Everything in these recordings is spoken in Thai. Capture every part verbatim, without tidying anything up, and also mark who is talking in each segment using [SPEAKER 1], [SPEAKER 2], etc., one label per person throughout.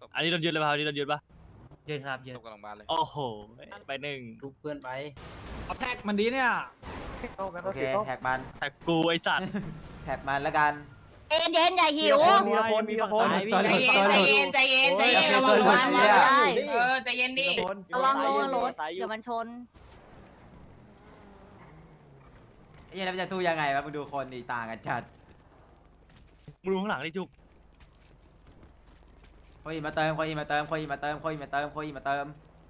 [SPEAKER 1] อันนี้โดนยึดเลยป่ะอันนี้โดนยึดป่ะ
[SPEAKER 2] ยืนครับยืน
[SPEAKER 3] ศพกำลังบานเลย
[SPEAKER 1] โอ้โหไปหนึ่ง
[SPEAKER 2] ทุบเพื่อนไป
[SPEAKER 4] เอาแท็กมันดีเนี่ย
[SPEAKER 5] โอเคแท็กมัน
[SPEAKER 1] แท็กกูไอสัตว์
[SPEAKER 5] แท็กมันแล้วกัน
[SPEAKER 6] เย็นเย็นอย่าหิว
[SPEAKER 4] มีละคนมีละคน
[SPEAKER 5] ตัวหลุดตัวหลุด
[SPEAKER 7] ใจเย็นใจเย็น
[SPEAKER 5] โอ้ย
[SPEAKER 7] ระวัง
[SPEAKER 5] ตัวหลุด
[SPEAKER 7] ระวัง
[SPEAKER 5] เนี่ย
[SPEAKER 7] เออใจเย็นดิ
[SPEAKER 6] ระวังระวังรถเดี๋ยวมันชน
[SPEAKER 5] ไอ้เหี้ยแล้วมันจะสู้ยังไงวะมึงดูคนดีต่างกันจัด
[SPEAKER 1] มึงดูข้างหลังดิจุก
[SPEAKER 5] โคอีมาเติมโคอีมาเติมโคอีมาเติมโคอีมาเติมโคอีมาเติม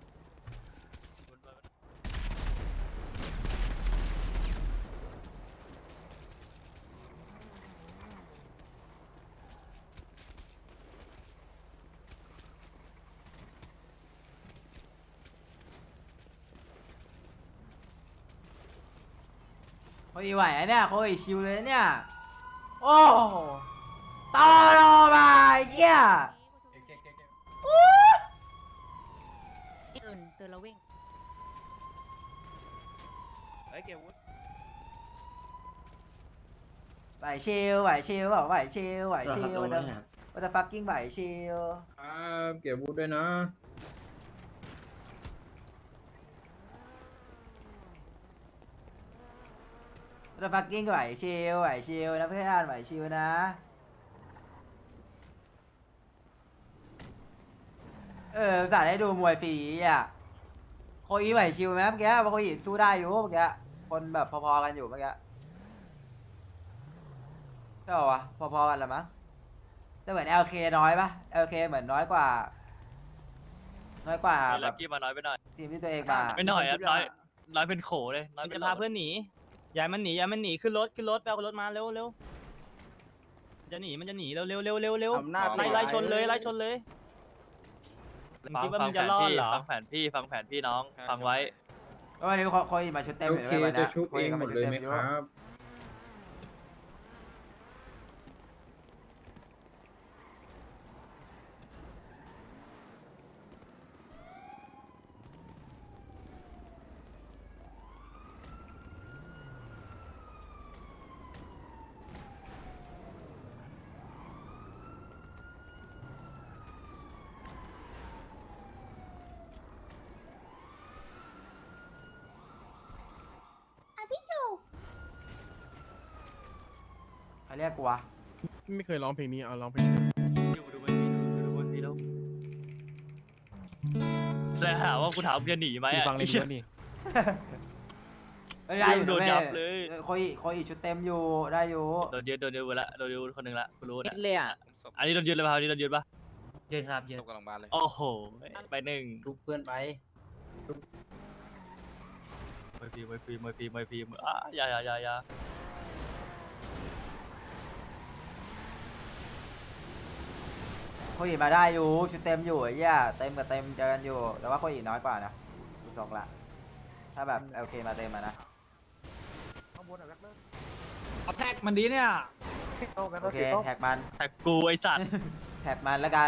[SPEAKER 5] โคอีไหวอะเนี่ยโคอีชิวเลยเนี่ยโอ้ต่อรอมาไอ้เหี้ย
[SPEAKER 6] ตื่นตื่นแล้ววิ่ง
[SPEAKER 5] ไหวชิลไหวชิลบอกไหวชิลไหวชิลว่าจะว่าจะฟักกิ้งไหวชิล
[SPEAKER 8] ครับเก็บบูธด้วยนะ
[SPEAKER 5] ว่าจะฟักกิ้งไหวชิลไหวชิลนะเพื่อนไหวชิลนะเออสาดให้ดูมวยฟรีอ่ะโคอีไหวชิลไหมเมื่อกี้เพราะโคอีสู้ได้อยู่เมื่อกี้คนแบบพอๆกันอยู่เมื่อกี้ใช่ป่าวะพอๆกันละมั้งแต่เหมือน แอล เค น้อยปะ แอล เค เหมือนน้อยกว่า น้อยกว่าแบ
[SPEAKER 1] ลัก
[SPEAKER 5] บ
[SPEAKER 1] กี้มาน้อยไปหน่อย
[SPEAKER 5] ทีมที่ตัวเองมา
[SPEAKER 1] ไม่หน่อยอ่ะน้อยน้อยเป็นโขเลยน้อย
[SPEAKER 4] มัน
[SPEAKER 1] เป็
[SPEAKER 4] จะ
[SPEAKER 1] น
[SPEAKER 4] พาเพื่อนหนีอย่ามันหนีอย่ามันหนีขึ้นรถขึ้นรถไปเอารถมาเร็วเร็วจะหนีมันจะหนีเร็วเร็วเร็วเร็วเร็ว
[SPEAKER 8] อำนาจ
[SPEAKER 4] ไล่ไล่ชนเลยไล่ชนเลยมึง
[SPEAKER 1] ฟัง
[SPEAKER 4] คิดว่า
[SPEAKER 1] ฟั
[SPEAKER 4] มึ
[SPEAKER 1] ง
[SPEAKER 4] ง
[SPEAKER 1] แผ
[SPEAKER 4] จะ
[SPEAKER 1] น
[SPEAKER 4] รอด
[SPEAKER 1] พี่
[SPEAKER 4] เหรอ
[SPEAKER 1] ฟังแผนพี่ฟังแผนพี่น้องฟังไว้
[SPEAKER 5] วันนี้โคอีมาชุดเต็ม
[SPEAKER 8] โอ
[SPEAKER 5] เลย
[SPEAKER 8] เค
[SPEAKER 5] ด้วยวัน
[SPEAKER 8] จะ
[SPEAKER 5] นี้
[SPEAKER 8] ชุบ
[SPEAKER 5] โค
[SPEAKER 8] เอ
[SPEAKER 5] อี
[SPEAKER 8] ง
[SPEAKER 5] ก็
[SPEAKER 8] หม
[SPEAKER 5] มา
[SPEAKER 8] ด
[SPEAKER 5] ชุด
[SPEAKER 8] เลย
[SPEAKER 5] เต็ม
[SPEAKER 8] ไหม
[SPEAKER 5] อยู่
[SPEAKER 8] ครับ
[SPEAKER 5] ใครเรียกกูวะ
[SPEAKER 8] ไม่เคยร้องเพลงนี้เอาร้องเพลง
[SPEAKER 1] ดูดูมันดูดูมันฟรีแล้วแต่หาว่ากูถามจะหนีไหมอ่ะ
[SPEAKER 8] ฟังเลยดีกว่านี่
[SPEAKER 5] ไม่ได้อยู่
[SPEAKER 1] โดน
[SPEAKER 5] นะ
[SPEAKER 1] ยับ
[SPEAKER 5] แม่
[SPEAKER 1] เลย
[SPEAKER 5] โคอีโคอีชุดเต็มอยู่ได้อยู่
[SPEAKER 1] โดนยึดโดนยึดไปละโดนยึดคนหนึ่งละกูรู้
[SPEAKER 4] นิ
[SPEAKER 1] นะ
[SPEAKER 4] ดเลยอ่ะ
[SPEAKER 3] ศพ
[SPEAKER 1] อันนี้โดนยึดเลยป่ะอันนี้โดนยึดป่ะ
[SPEAKER 2] ยืนครับยืน
[SPEAKER 3] ศพกำลังบานเลย
[SPEAKER 1] โอ้โหไปหนึ่ง
[SPEAKER 2] ทุบเพื่อนไป
[SPEAKER 1] มวยฟรีมวยฟรีมวยฟรีมวยฟรีมวยอ่ะอย่าอย่าอย่าอย่า
[SPEAKER 5] โคอีมาได้อยู่ชุดเต็มอยู่ไอ้เหี้ยเต็มกับเต็มเจอกันอยู่ แต่ว่าโคอีน้อยกว่านะดูทรงละถ้าแบบ แอล เค มาเต็มมานะ
[SPEAKER 4] เอาแท็กมันดีเนี่ย
[SPEAKER 5] โอเคแท็กมัน
[SPEAKER 1] แท็กกูไอสัตว์
[SPEAKER 5] แท็กมันแล้วกัน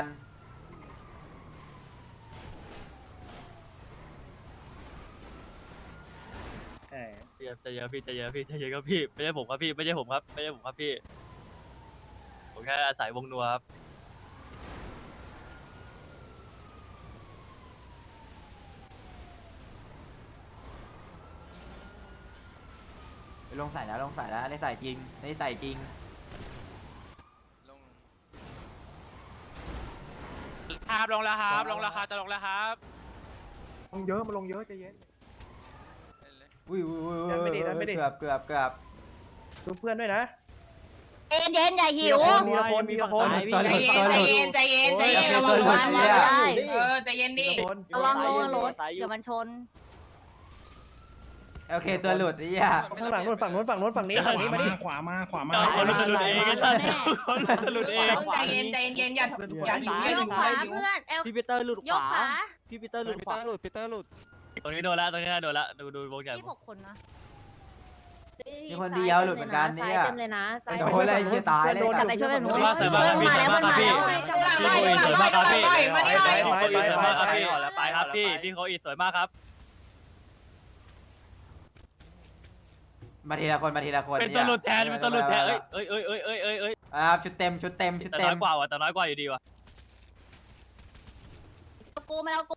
[SPEAKER 1] พี่ใจเย็นพี่ใจเย็นพี่ใจเย็นครับพี่ไม่ใช่ผมครับพี่ไม่ใช่ผมครับไม่ใช่ผมครับพี่ผมแค่อาศัยวงนัวครับ
[SPEAKER 5] ลงใส่แล้วลงใส่แล้วอันนี้ใส่จริงอันนี้ใส่จริง
[SPEAKER 3] ลง
[SPEAKER 7] ครับลงแล้วครับลงแล้วครับจะลงแล้วครับ
[SPEAKER 8] ลงเยอะมาลงเยอะใจเย็น
[SPEAKER 3] เล่นเลย
[SPEAKER 5] อุ้ยอุ้ยอุ้ย
[SPEAKER 8] ยันไม่ดียันไม่ดี
[SPEAKER 5] เกือบเกือบเกือบ
[SPEAKER 8] ชุบเพื่อนด้วยนะ
[SPEAKER 6] เย็นเย็นอย่าหิว
[SPEAKER 8] มีละคนมีละคน
[SPEAKER 5] ตัว
[SPEAKER 7] ใจ
[SPEAKER 5] หลุด
[SPEAKER 7] เย็น
[SPEAKER 5] ตัวหลุด
[SPEAKER 7] ใจเย็นใจเย็นใจ
[SPEAKER 5] โอ้ย
[SPEAKER 7] เย็นระวัง
[SPEAKER 5] ตัวหลุ
[SPEAKER 7] ระ
[SPEAKER 5] ด
[SPEAKER 7] วัง
[SPEAKER 5] เนี่ย
[SPEAKER 7] เออใจเย็นดิ
[SPEAKER 6] ระวังระวังรถเดี๋ยวมันชน
[SPEAKER 5] โอเคตัวหลุดไอ้เหี้ย
[SPEAKER 8] ข้างหลังนู้นฝั่งนู้นฝั่งนู้นฝั่งนี้ฝั่งนี้มาดิ
[SPEAKER 4] ขวามาขวามา
[SPEAKER 1] เอาคนรู้จะหลุดเองไอ้สัตว์คนรู้จะหลุดเอง
[SPEAKER 7] ใจเย็นใจเย็นอย่าอย่าหิวอย่า
[SPEAKER 6] โย
[SPEAKER 7] หิ
[SPEAKER 6] ก
[SPEAKER 7] ว
[SPEAKER 6] ขวา
[SPEAKER 7] อย่าหิว
[SPEAKER 6] เพื่อนเอล
[SPEAKER 4] พี่ปีเตอร์หลุด
[SPEAKER 6] โย
[SPEAKER 4] ข
[SPEAKER 6] ก
[SPEAKER 4] วา
[SPEAKER 6] ขวา
[SPEAKER 4] พี่ปีเตอร์หลุดขวา
[SPEAKER 8] หลุดปีเตอร์หลุด
[SPEAKER 1] ตรงนี้โดนละตรงนี้โดนละดูดูวงใหญ่
[SPEAKER 6] ที่หกคนนะ
[SPEAKER 5] มีคนเดียวหลุดเหมือนกันเนี่ย
[SPEAKER 6] เต็มเลยนะซ้าย
[SPEAKER 5] โดนอะไรเหี้ยตายเลย
[SPEAKER 6] กลับไปช่วยแบบนู้น
[SPEAKER 1] ว่าสวยมากครับพี่
[SPEAKER 6] มาแล้ว
[SPEAKER 1] สวย
[SPEAKER 6] มัน
[SPEAKER 1] มากครับ
[SPEAKER 6] มา
[SPEAKER 1] พี่
[SPEAKER 6] แล้ว
[SPEAKER 1] พี่โคอีสวยมากครับพี่
[SPEAKER 7] มานี่หน่อย
[SPEAKER 1] พี่โคอีสวยมากครับพี่ไปครับพี่พี่โคอีสวยมากครับ
[SPEAKER 5] มาทีละคนมาทีละคน
[SPEAKER 1] เป็นตัวหลุดแทนเป็นตัวหลุดแทนเอ้ยเอ้ยเอ้ยเอ้ยเอ้ยเอ้ยเอ้ย
[SPEAKER 5] อ่าชุดเต็มชุดเต็มชุด
[SPEAKER 1] แต่
[SPEAKER 5] เต็
[SPEAKER 1] น้
[SPEAKER 5] ม
[SPEAKER 1] อยกว่าว่ะแต่น้อยกว่าอยู่ดีว่ะ
[SPEAKER 6] กูมันเอากู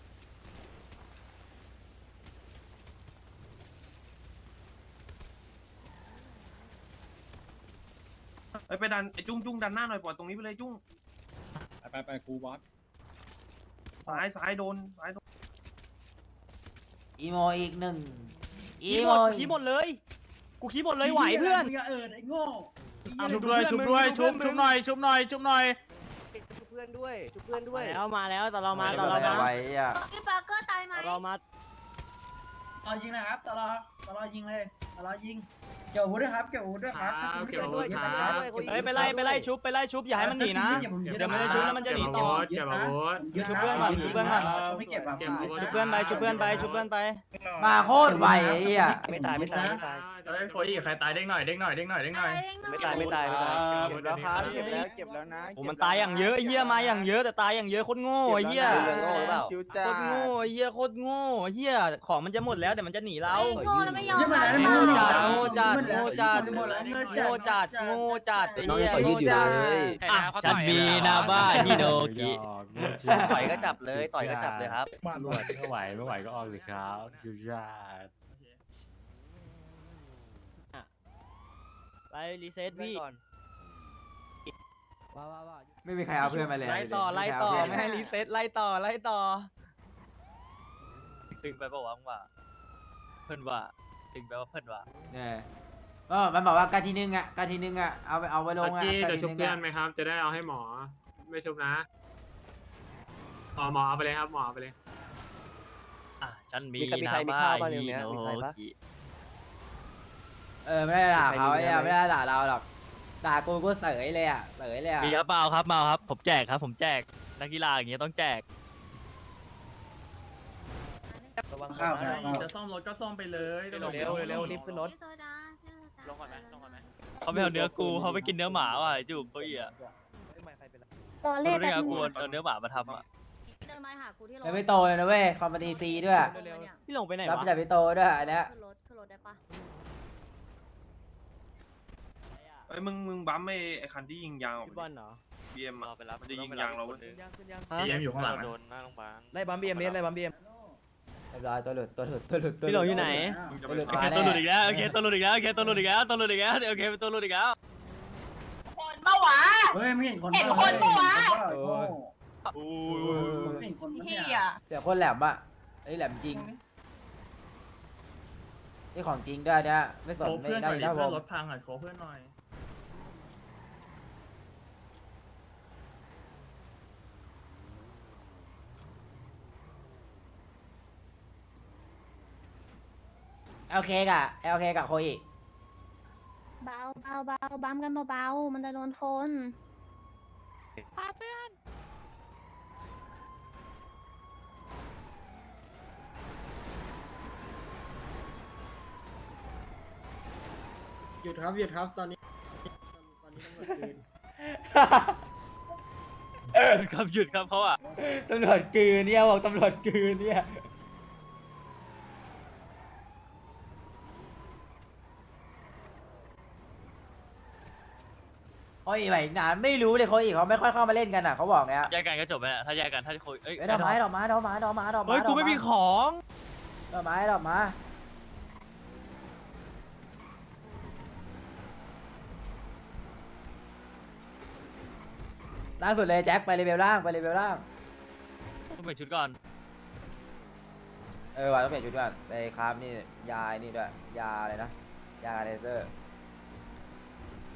[SPEAKER 9] ไปไปดันไอ้จุ้งจุ้งดันหน้าหน่อยปล่อยตรงนี้ไปเลยจุ้ง
[SPEAKER 10] ไปไปกูบอส
[SPEAKER 9] ซ้ายซ้ายโดนซ้ายโดน
[SPEAKER 5] อีโมอีกหนึ่งอี
[SPEAKER 4] ขี้ห
[SPEAKER 5] โม
[SPEAKER 4] มดขี้หมดเลย กูขี้หมดเลยไหวเพื่อน
[SPEAKER 10] อย่าเอิดไอ้โง่
[SPEAKER 4] ชุบด้วยชุบด้วยชุบชุบหน่อยชุบหน่อยชุบหน่อย
[SPEAKER 8] ชุบเพื่อนด้วยชุบเพื่อนด้วย
[SPEAKER 4] แล้วมาแล้วตอนเรามาตอน
[SPEAKER 5] เรา
[SPEAKER 4] เรามา
[SPEAKER 5] ไว้อ่ะ
[SPEAKER 6] พี่ปาร์เกอร์ตายไหม
[SPEAKER 4] เรามา
[SPEAKER 10] ตอยิงนะครับตลอตลอยิงเลยตลอยิงเกี่ยวอาวุธด้วยครับเกี่ยวอาวุธด้วยครับเกี่ยวอาวุธด้วยครับ
[SPEAKER 4] เฮ้ยไปไล่ไปไล่ชุบไปไล่ชุบอย่าให้มันหนีนะ เดี๋ยวมันจะชุบแล้วมันจะหนีต่อ
[SPEAKER 10] เก็บอาวุธ
[SPEAKER 4] ชุบเพื่อนก่อนชุบเพื่อนก่อน
[SPEAKER 10] ไม่เก็บอ่ะ
[SPEAKER 4] ชุบเพื่อนไปชุบเพื่อนไปชุบเพื่อนไป
[SPEAKER 5] มาโคตรไวไอ้เหี้ย
[SPEAKER 8] ไม่ตายไม่ตายไม่ตาย
[SPEAKER 1] เฮ้ยโคอี้ใครตายเด้งหน่อยเด้งหน่อยเด้งหน่อยเด้งหน่อย
[SPEAKER 8] ไม่ตายไม่ตายไม่ตาย
[SPEAKER 10] เก็บแล้วครับเก็บแล้วเก็บแล้วนะ
[SPEAKER 4] โอ้มันตายอย่างเยอะไอ้เหี้ยมาอย่างเยอะแต่ตายอย่างเยอะโคตรโง่ไอ้เหี้ย
[SPEAKER 8] ชิว
[SPEAKER 4] โค
[SPEAKER 8] จ้า
[SPEAKER 4] ตรโง่ไอ้เหี้ยโคตรโง่ไอ้เหี้ยของมันจะหมดแล้วแต่มันจะหนีเรา
[SPEAKER 6] ไอ้โง่แล้วไม่ยอม
[SPEAKER 4] โง่จัดโง่จัดโง่จัดโง่จัดโง่จัดไอ้เหี้ยโง่จัด
[SPEAKER 3] อ่ะ
[SPEAKER 1] ฉันมีนาบ้าฮิโนกิ
[SPEAKER 8] ต่อยก็จับเลยต่อยก็จับเลยครับ
[SPEAKER 10] ตำรวจไม่ไหวไม่ไหวก็ออกเลยครับชิวจ้า
[SPEAKER 4] ไปรีเซ็ตพี่
[SPEAKER 5] ไม่มีใครเอาเพื่อนมาเลย
[SPEAKER 4] ไล่ต่อไล่ต่อไม่ให้รีเซ็ตไล่ต่อไล่ต่อ
[SPEAKER 1] ตึงไปบอกว่าว่าเพื่อนว่าตึงไปว่าเพื่อนว่า
[SPEAKER 5] เนี่ยเออมันบอกว่ากาทีนึงอ่ะกาทีนึงอ่ะเอาไปเอาไปลงอ่ะกาทีนึงอ่ะ
[SPEAKER 10] จะได้เอาให้หมอไม่ชุบนะอ๋อหมอเอาไปเลยครับหมอเอาไปเลย
[SPEAKER 1] อ่ะฉันมี
[SPEAKER 8] มีใครมี
[SPEAKER 1] นา
[SPEAKER 8] ใครมี
[SPEAKER 1] บ้า
[SPEAKER 8] ข้าวบ้าง
[SPEAKER 1] ฮิ
[SPEAKER 8] เนี่ย
[SPEAKER 1] โน
[SPEAKER 8] มีใครปะ
[SPEAKER 1] กิ
[SPEAKER 5] เออไม่ได้ด่าเขา
[SPEAKER 8] ใคร
[SPEAKER 5] ไอ้
[SPEAKER 8] มี
[SPEAKER 5] เหี้ย
[SPEAKER 8] ไหม
[SPEAKER 5] ไม่ได้ด่าเราหรอกด่ากูกูเสยเลยอ่ะเสยเลยอ่ะ
[SPEAKER 1] มีครับเปล่าครับเมาครับผมแจกครับผมแจกนักกีฬาอย่างเงี้ยต้องแจก
[SPEAKER 8] ระวังข้าวนะ
[SPEAKER 1] จะซ่อมรถก็ซ่อมไปเลย
[SPEAKER 8] เร็วเร็วเร็วรีบขึ้นรถ
[SPEAKER 6] พี่โซดา
[SPEAKER 3] ลงก่อนไหมลงก่อนไหม
[SPEAKER 1] เขาไม่เอาเนื้อกูเขาไปกินเนื้อหมาว่ะไอ้จุกเขาอีอ่ะ
[SPEAKER 6] ตอน
[SPEAKER 1] เขา
[SPEAKER 6] เล่น
[SPEAKER 1] ได้
[SPEAKER 6] แต่
[SPEAKER 1] ไงกูเอาเนื้อหมามาทำอ่ะ
[SPEAKER 6] เดินมาหากูที่รถ
[SPEAKER 5] แล้วไม่โตเลยนะเว้ยคอมพานีซีด้วย
[SPEAKER 4] พี่หลงไปไหน
[SPEAKER 5] รับ
[SPEAKER 4] วะ
[SPEAKER 5] จากพี่โตด้วยอันเนี้ย
[SPEAKER 6] ขึ้นรถขึ้นรถได้ปะ
[SPEAKER 9] ไอ้ยมึงมึงบัมไอ้ไอ้คันที่ยิงยางออก
[SPEAKER 4] พี่บอลเหรอ
[SPEAKER 9] บีเอ็มอะมันจะยิงยางเราเว้ย
[SPEAKER 1] เอ็มอยู่ข้างหลัง
[SPEAKER 3] โดนหน้าโรงพยาบาล
[SPEAKER 8] ไล่บัมบีเอ็มไล่บัมบีเอ็ม
[SPEAKER 5] เรียบร้อยตัวหลุดตัวหลุดตัวหลุดตัว
[SPEAKER 4] พี่หลงอยู่ไหน
[SPEAKER 9] มึงจะ
[SPEAKER 5] ตัว
[SPEAKER 9] ไป
[SPEAKER 5] หลุด
[SPEAKER 1] โอ
[SPEAKER 5] มา
[SPEAKER 1] เค
[SPEAKER 5] แน่
[SPEAKER 1] ตัวหลุดอีกแล้วโอเคตัวหลุดอีกแล้วโอเคตัวหลุดอีกแล้วตัวหลุดอีกแล้วโอเคเป็นตัวหลุดอีกแล้ว
[SPEAKER 7] คนเมื่อวะ
[SPEAKER 10] เฮ้ยไม่เห็นคน
[SPEAKER 7] เห็นคนปะวะ
[SPEAKER 1] อู้
[SPEAKER 10] ไม่เห็นคน
[SPEAKER 7] เฮีย
[SPEAKER 5] เสียคนแหลมอ่ะไอ้แหลมจริงนี่ของจริงด้วยเนี่ยไม่สนไม่ได้นะผม
[SPEAKER 1] รถพังอ่ะขอเพื่อนหน่อย
[SPEAKER 5] เอลเคกับเอลเคกับโคอิ
[SPEAKER 6] เบาเบาเบาบัมกันเบาๆมันจะโดนคน
[SPEAKER 3] ครับเพื่อน
[SPEAKER 10] หยุดครับหยุดครับตอนนี้ตอนนี้ตำรวจคืน
[SPEAKER 1] ครับหยุดครับเขาอ่ะ
[SPEAKER 5] ตำรวจกืนเนี่ยบอกตำรวจกืนเนี่ยโอ้ยไหวนานไม่รู้เลยเขาอีกเขาไม่ค่อยเข้ามาเล่นกันอ่ะเขาบอกเนี้ย
[SPEAKER 1] แยกกันก็จบไปแล้วถ้าแยกกันถ้าคุยเอ้ย
[SPEAKER 5] เอ้ยดอกไม้ดอกไม้ดอกไม้ดอกไม้ดอกไม้
[SPEAKER 1] เฮ้ยกูไม่มีของ
[SPEAKER 5] ดอกไม้ดอกไม้ล่างสุดเลยแจ็คไปเลเวลล่างไปเลเวลล่าง
[SPEAKER 1] ต้องเปลี่ยนชุดก่อน
[SPEAKER 5] เออว่ะต้องเปลี่ยนชุดก่อนไปคราฟนี่ยาไอ้นี่ด้วยยาอะไรนะยาเลเซอร์